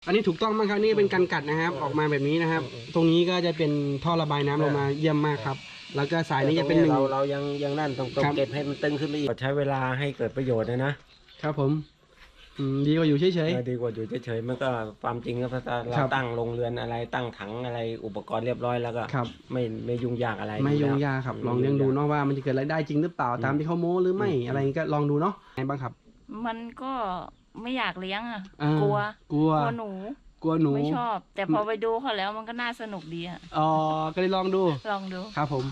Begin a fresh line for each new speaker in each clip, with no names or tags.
อันนี้ถูกต้องมากครับนี่เป็นการกัดนะครับออกมาแบบนี้นะครับ ตรงนี้ก็จะเป็นท่อระบายน้ำลงมาเยี่ยมมากครับแล้วก็สายนี้จะเป็นหนึ่ง
เรายังนั่นต้องเก็บให้มันตึงขึ้นไปอีกใช้เวลาให้เกิดประโยชน์นะครับ
ผมดีกว่าอยู่เฉย
ดีกว่าอยู่เฉยๆมันก็ความจริงก็ถ้าเราตั้งโรงเรือนอะไรตั้งถังอะไรอุปกรณ์เรียบร้อยแล้วก็ไม่ยุ่งยากอะไร
ไม่ยุ่งยากครับลองเลี้ยงดูเนาะว่ามันจะเกิดรายได้จริงหรือเปล่าตามที่เขาโม้หรือไม่อะไรก็ลองดูเนาะไงบ้างครับ
มันก็ไม่อยากเลี้ยงก
ลัว
หนูไม่ชอบแต่พอไปดูเขาแล้วมันก็น่าสนุกดี
อ๋อก็เลยลองดูครับผม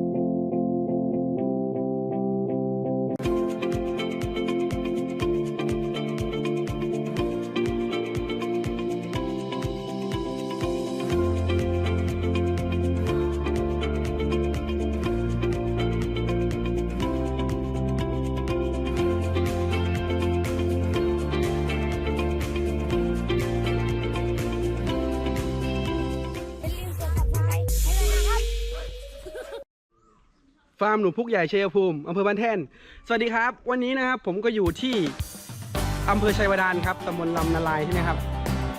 ฟาร์มหนูพุกใหญ่ชัยภูมิอำเภอบ้านแท่นสวัสดีครับวันนี้นะครับผมก็อยู่ที่อำเภอชัยวดานครับตำบลลำนาลายใช่ไหมครับ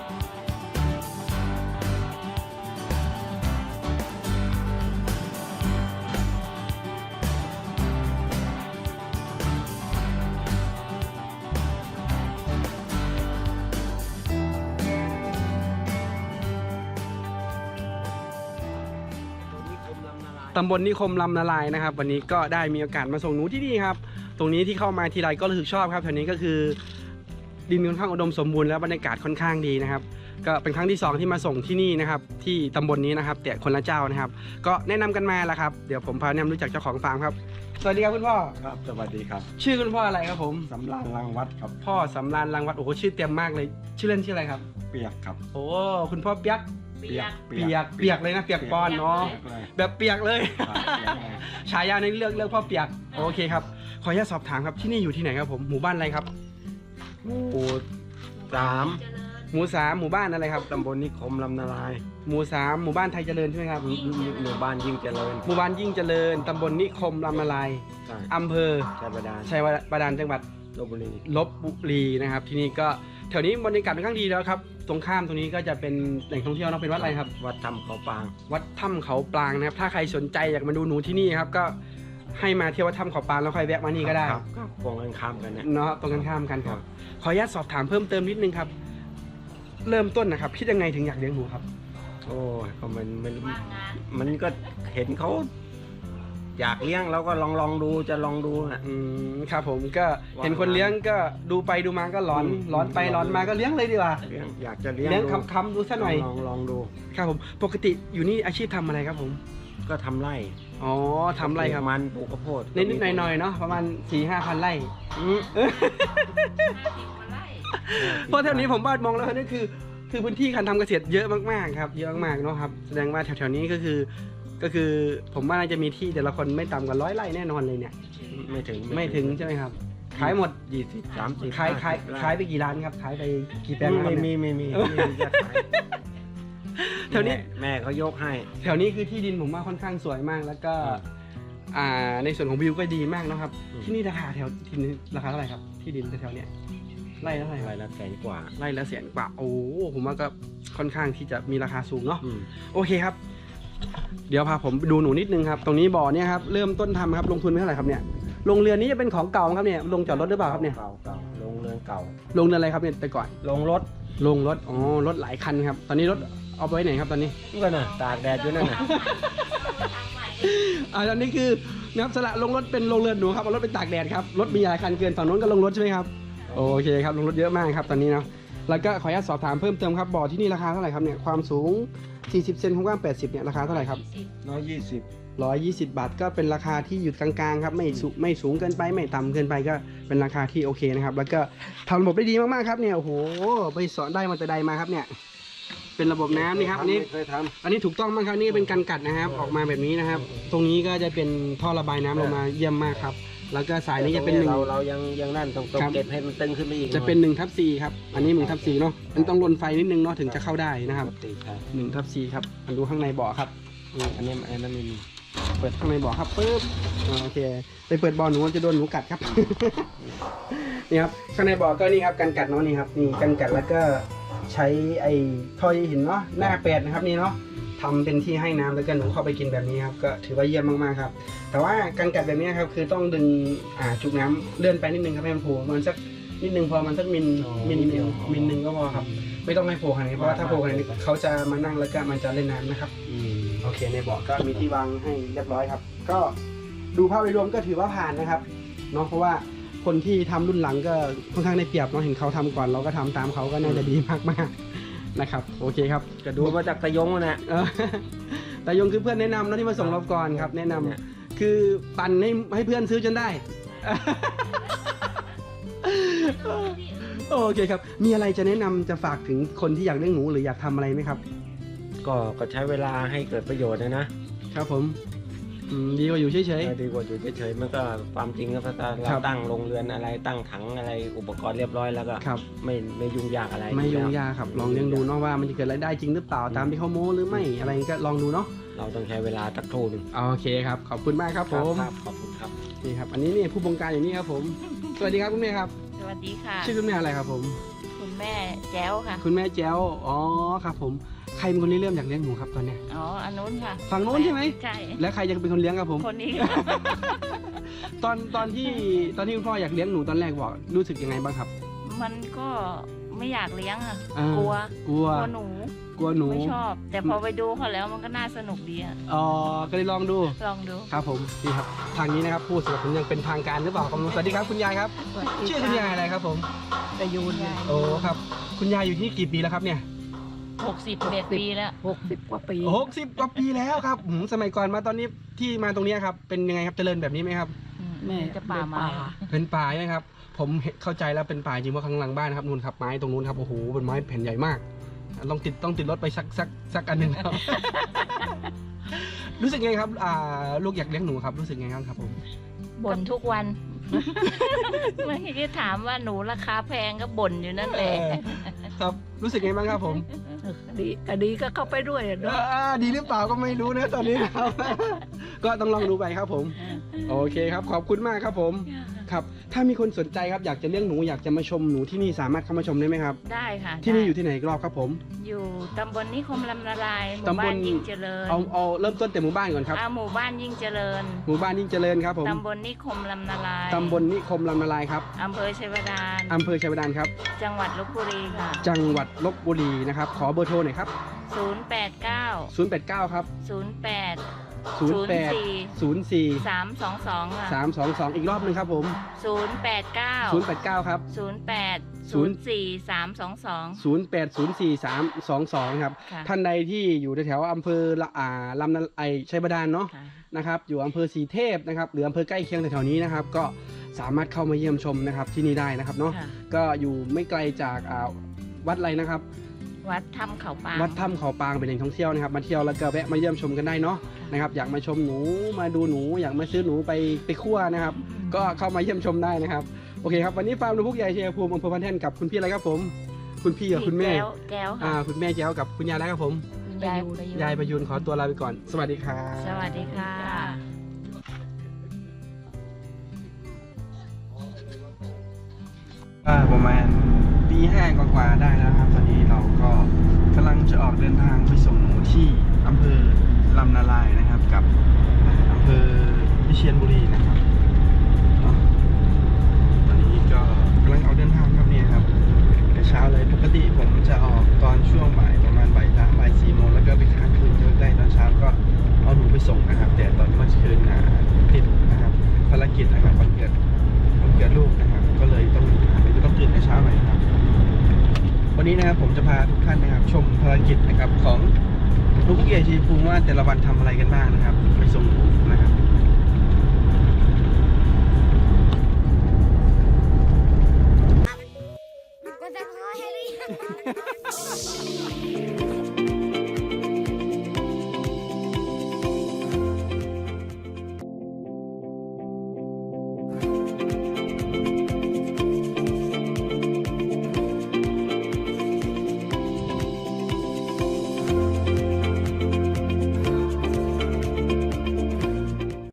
ตำบลนิคมลำนาลายนะครับวันนี้ก็ได้มีโอกาสมาส่งหนูที่นี่ครับตรงนี้ที่เข้ามาทีไรก็รู้สึกชอบครับแถวนี้ก็คือดินค่อนข้างอุดมสมบูรณ์แล้วบรรยากาศค่อนข้างดีนะครับก็เป็นครั้งที่2ที่มาส่งที่นี่นะครับที่ตำบลนี้นะครับแต่คนละเจ้านะครับก็แนะนำกันมาแล้วครับเดี๋ยวผมพาแนะนำรู้จักเจ้าของฟาร์มครับสวัสดีครับคุณพ่อ
ครับสวัสดีครับ
ชื่อคุณพ่ออะไรครับผม
สำราญรังวัดครับ
พ่อสำราญรังวัดโอ้โหชื่อเต็มมากเลยชื่อเล่นชื่ออะไรครับ
เปียกครับ
โอ้คุณพ่อเปียกเลยนะเปียกปอนเนาะแบบเปียกเลยฉายาในเรื่องพ่อเปียกโอเคครับขออนุญาตสอบถามครับที่นี่อยู่ที่ไหนครับผมหมู่บ้านอะไรครับ
หมู่3ห
มู่บ้านอะไรครับ
ตำบลนิคมลำนาลาย
หมู่3หมู่บ้านไทยเจริญใช่ไหมครับ
หมู่บ้านยิ่งเจริญ
หมู่บ้านยิ่งเจริญตำบลนิคมลำนาลายอำเภอชัยบาดาลจังหวัดลบบุรีนะครับที่นี่ก็แถวนี้บรรยากาศค่อนข้างดีแล้วครับตรงข้ามตรงนี้ก็จะเป็นแหล่งท่องเที่ยวนะเป็นวัดอะไรครับ
วัดถ้ำเขาปาง
นะครับถ้าใครสนใจอยากมาดูหนูที่นี่ครับก็ให้มาเที่ยววัดถ้ำเขาปางแล้วค่อยแวะมานี่ก็ได้
ครับตรงกันข้ามกัน
เนาะตรงกันข้ามกันครับขออนุญาตสอบถามเพิ่มเติมนิดนึงครับเริ่มต้นนะครับคิดยังไงถึงอยากเลี้ยงหนูครับ
โอ้ก็มันก็เห็นเขาอยากเลี้ยงแล้วก็ลองดูจะลองดู
ครับผมก็เห็นคนเลี้ยงก็ดูไปดูมาก็ร้อนไปร้อนมาก็เลี้ยงเลยดีกว่า
อยากจะเลี้ยง
คำดูซะหน่อย
ลองดู
ครับผมปกติอยู่นี่อาชีพทำอะไรครับผม
ก็ทำไร่
อ๋อทำไร่ครับ
มันปลูกข้าวโพด
นิดๆหน่อยๆเนาะประมาณ 4-5,000 ไร่เพราะแถวนี้ผมบ้านมองแล้วนี่คือพื้นที่การทำเกษตรเยอะมากๆครับเยอะมากเนาะครับแสดงว่าแถวๆนี้ก็คือผมว่าน่าจะมีที่แต่ละคนไม่ต่ำกว่า100 ไร่แน่นอนเลยเนี่ย
ไม่ถึง
ใช่ไหมครับขายหมด
20-30
ขายไปกี่ล้านครับขายไปกี่แปลง
มีแถวนี้แม่เขายกให้
แถวนี้คือที่ดินผมว่าค่อนข้างสวยมากแล้วก็ในส่วนของวิวก็ดีมากนะครับที่นี่ราคาที่นี่ราคาเท่าไหร่ครับที่ดินแถวเนี้ยไร่ละเท่าไหร่
ไร่ละ100,000 กว่า
ไร่ละ100,000 กว่าโอ้ผมว่าก็ค่อนข้างที่จะมีราคาสูงเนาะโอเคครับเดี๋ยวพาผมดูหนูนิดนึงครับตรงนี้บ่อเนี่ยครับเริ่มต้นทำครับลงทุนเท่าไหร่ครับเนี่ยโรงเรือนนี้จะเป็นของเก่าครับเนี่ยลงจอดรถหรือเปล่าครับเนี่ย
เก่าโรงเรือนเก่า
โรงเรือนอะไรครับเนี่ยแต่ก่อน
ลงรถ
อ๋อรถหลายคันครับตอนนี้รถเอาไปไว้ไหนครับตอนนี้
ก็น่ะตากแดดอยู่นั่นน่ะ
ตอนนี้คือนะครับสละลงรถเป็นโรงเรือนหนูครับเอารถไปตากแดดครับรถมีหลายคันเกินฝั่งโน้นก็ลงรถใช่ไหมครับโอเคครับลงรถเยอะมากครับตอนนี้นะแล้วก็ขออนุญาตสอบถามเพิ่มเติมครับบ่อที่นี่ราคาเท่าไหร่ครับเนี่ยความสูง40 เซนความกว้าง80เนี่ยราคาเท่าไหร่ครับ120 บาทก็เป็นราคาที่อยู่กลางๆครับไม่สูงเกินไปไม่ต่ำเกินไปก็เป็นราคาที่โอเคนะครับแล้วก็ทำระบบได้ดีมากๆครับเนี่ยโอ้โหไปสอนได้มาแต่ใดมาครับเนี่ยเป็นระบบน้ำนี่ครับอันนี้ถูกต้องมากครับนี่เป็นการกัดนะครับออกมาแบบนี้นะครับตรงนี้ก็จะเป็นท่อระบายน้ำลงมาเยี่ยมมากครับแล้วก็สายนี้จะเป็น
เรายังนั่นต้องเก็บให้มันตึงขึ้นไปอีก
จะเป็น1/4ครับอันนี้1/4เนาะมันต้องลนไฟนิดนึงเนาะถึงจะเข้าได้นะครับ1/4ครับมาดูข้างในบ่อครับ
อันนี้มี
เปิดข้างในบ่อครับปึ๊บโอเคไปเปิดบ่อหนูจะโดนหนูกัดครับนี่ครับข้างในบ่อก็นี่ครับการกัดเนาะนี่ครับนี่การกัดแล้วก็ใช้ไอ้ท่อใยหินเนาะหน้า8นะครับนี่เนาะทำเป็นที่ให้น้ำแล้วก็หนูเข้าไปกินแบบนี้ครับก็ถือว่าเยี่ยมมากๆครับแต่ว่าการกัดแบบนี้ครับคือต้องดึงจุกน้ำเลื่อนไปนิดนึงครับให้มันโผล่มันสักนิดนึงพอมันสักมิลนึงก็พอครับไม่ต้องให้โผล่ขนาดนี้เพราะว่าถ้าโผล่ขนาดนี้เขาจะมานั่งแล้วก็มันจะเล่นน้ำนะครับโอเคในบ่อก็มีที่วางให้เรียบร้อยครับก็ดูภาพโดยรวมก็ถือว่าผ่านนะครับเนาะเพราะว่าคนที่ทำรุ่นหลังก็ค่อนข้างได้เปรียบเนาะเห็นเขาทำก่อนเราก็ทำตามเขาก็น่าจะดีมากๆนะครับโอเคครับ
ก็ดูมาจากตะยงนะ
แต่ยงคือเพื่อนแนะนำเนาะที่มาส่งเราก่อนครับแนะนำคือปั่นให้เพื่อนซื้อจนได้ โอเคครับมีอะไรจะแนะนำจะฝากถึงคนที่อยากเลี้ยงหนูหรืออยากทำอะไรไหมครับ
ก็ใช้เวลาให้เกิดประโยชน์นะครับ
ผมดีกว่าอยู่เฉย
ดีกว่าอยู่เฉยๆมันก็ความจริงก็ถ้าเราตั้งโรงเรือนอะไรตั้งถังอะไรอุปกรณ์เรียบร้อยแล้วก็
ครับ
ไม่ยุ่งยากอะไร
ๆไม่ยุ่งยากครับลองเลี้ยงดูเนาะว่ามันจะเกิดรายได้จริงหรือเปล่าตามที่เขาโม้หรือไม่อะไรก็ลองดูเนาะ
เราต้องใช้เวลาสักครู่หนึง
โอเคครับขอบคุณมากครับผม
ครับขอบคุณครับ
นี่ครับอันนี้นี่ผู้บงการอย่างนี้ครับผมสวัสดีครับคุณแม่ครับ
สวัสดีค่ะ
ชื่อคุณแม่อะไรครับผม
คุณแม่แจ้วค่ะ
คุณแม่แจ้วอ๋อครับผมใครเป็นคนที่เริ่มอยากเลี้ยงหนูครับตอนเนี้ย
อ๋ออันนู้นค่ะ
ฝั่งโน้นใช่ไหม
ใช่
แล้วใครจะเป็นคนเลี้ยงครับผม
คนนี้
ตอนที่คุณพ่ออยากเลี้ยงหนูตอนแรกบอกรู้สึกยังไงบ้างครับ
มันก็ไม่อยากเลี้ยงอ่ะ
อ่าก
ลัว
กลัว
หนู
กลัวหนู
ไม่ชอบ แต่พอไปดูเขาแล้วมันก็น่าสนุกดีอ่ะ
อ๋อก็เลยลองดู
ลองดู
ครับผมนี่ครับทางนี้นะครับผู้สนับสนุนยังเป็นทางการหรือเปล่าครับสวัสดีครับคุณยายครับชื่อคุณยายอะไรครับผม
ประยูน
โอ้ครับคุณยายอยู่ที่นี่กี่ปีแล้วครับเนี่ย
61 ปีแล้ว
60 กว่าปี
60 กว่าปีแล้วครับสมัยก่อนมาตอนนี้ที่มาตรงนี้ครับเป็นยังไงครับเจริญแบบนี้ไหมครับ
แม่
จะป่าไม้
เป็นป่าใช่ไหมครับผมเข้าใจแล้วเป็นป่าจริงเพราะข้างหลังบ้านครับนู่นครับไม้ตรงนู้นครับโอ้โหเป็นไม้แผ่นใหญ่มากต้องติดรถไปสักอันหนึ่งครับ รู้สึกไงครับลูกอยากเลี้ยงหนูครับรู้สึกไงครับผม
บ่นทุกวัน เมื่อกี้ถามว่าหนูราคาแพงก็บ่นอยู่นั่นแหละ
ครับรู้สึกไงบ้างครับผม
ดีก็เข้าไปด้วยเนาะ
ดีหรือเปล่าก็ไม่รู้นะตอนนี้ครับ ก็ต้องลองดูไปครับผม โอเคครับขอบคุณมากครับผมครับถ้ามีคนสนใจครับอยากจะเลี้ยงหนูอยากจะมาชมหนูที่นี่สามารถเข้ามาชมได้ไหมครับ
ได้ค่ะ
ที่นี่
ได้
อยู่ที่ไหนอีกรอบครับผม
อยู่ตำบลนิคมลำนาลายหมู่
ตำบ
บ้า
ล
นยิ่งเจริญ
เอาเริ่มต้นแต่หมู่บ้านก่อนครับ
หมู่บ้านยิ่งเจริญ
หมู่บ้านยิ่งเจริญครับผม
ตำบลนิคมลำนาลาย
ตำบลนิคมลำนาลายครับ
อำเภอชัยวดาร
อำเภอชัยวดารครับ
จังหวัดลบบุรีค่ะ
จังหวัดลบบุรีนะครับขอเบอร์โทรหน่อยครับ
089
089ครับ
08
08 04
322ค่ะ
322อีกรอบหนึงครับผม
089
089ครับ
08 04 322
0804 322ครับ
ค่ะ
ท่านใดที่อยู่แถวๆอำเภอลำนาชัยบาดาลเนาะ
ค่ะ
นะครับอยู่อำเภอศรีเทพนะครับหรืออำเภอใกล้เคียงแถวๆนี้นะครับก็สามารถเข้ามาเยี่ยมชมนะครับที่นี่ได้นะครับเนาะ
ค่ะ
ก็อยู่ไม่ไกลจากวัดอะไรนะครับ
วัดถ้ำเขาปาง
วัดถ้ำเขาปางเป็นแหล่งท่องเที่ยวนะครับมาเที่ยวแล้วก็แวะมาเยี่ยมชมกันได้เนาะนะครับอยากมาชมหนูมาดูหนูอยากมาซื้อหนูไปคั่วนะครับก็เข้ามาเยี่ยมชมได้นะครับโอเคครับวันนี้ฟาร์มนกพุกใหญ่ชัยภูมิอำเภอพันแท่นกับคุณพี่อะไรครับผมคุณพี่กับคุณแม่
แก้วค่ะ
คุณแม่แจ้วกับคุณยายแล้วครับผม
ยายประยุน
ยายประยูนขอตัวลาไปก่อนสวัสดีครับ
สวัสดีค่ะ
ประมาณตี 5กว่าๆได้แล้วครับตอนนี้เราก็กำลังจะออกเดินทางไปส่งหนูที่อำเภอลำนาลายนะครับกับอำเภอวิเชียรบุรีนะครับเนาะตอนนี้ก็กำลังออกเดินทางครับเนี่ยครับแต่เช้าเลยปกติผมจะออกตอนช่วงบ่ายประมาณบ่าย 3 บ่าย 4 โมงแล้วก็ไปค้างคืนเยอะได้ตอนเช้าก็เอาหนูไปส่งนะครับ แต่ตอนเมื่อคืนติดนะครับภารกิจนะครับวันเกิดลูกนะครับก็เลยต้องตื่นแต่เช้าหน่อยครับวันนี้นะครับผมจะพาทุกท่านนะครับชมภารกิจนะครับของนกพุกใหญ่ชัยภูมิว่าแต่ละวันทำอะไรกันบ้างนะครับไปส่งหนูนะครับ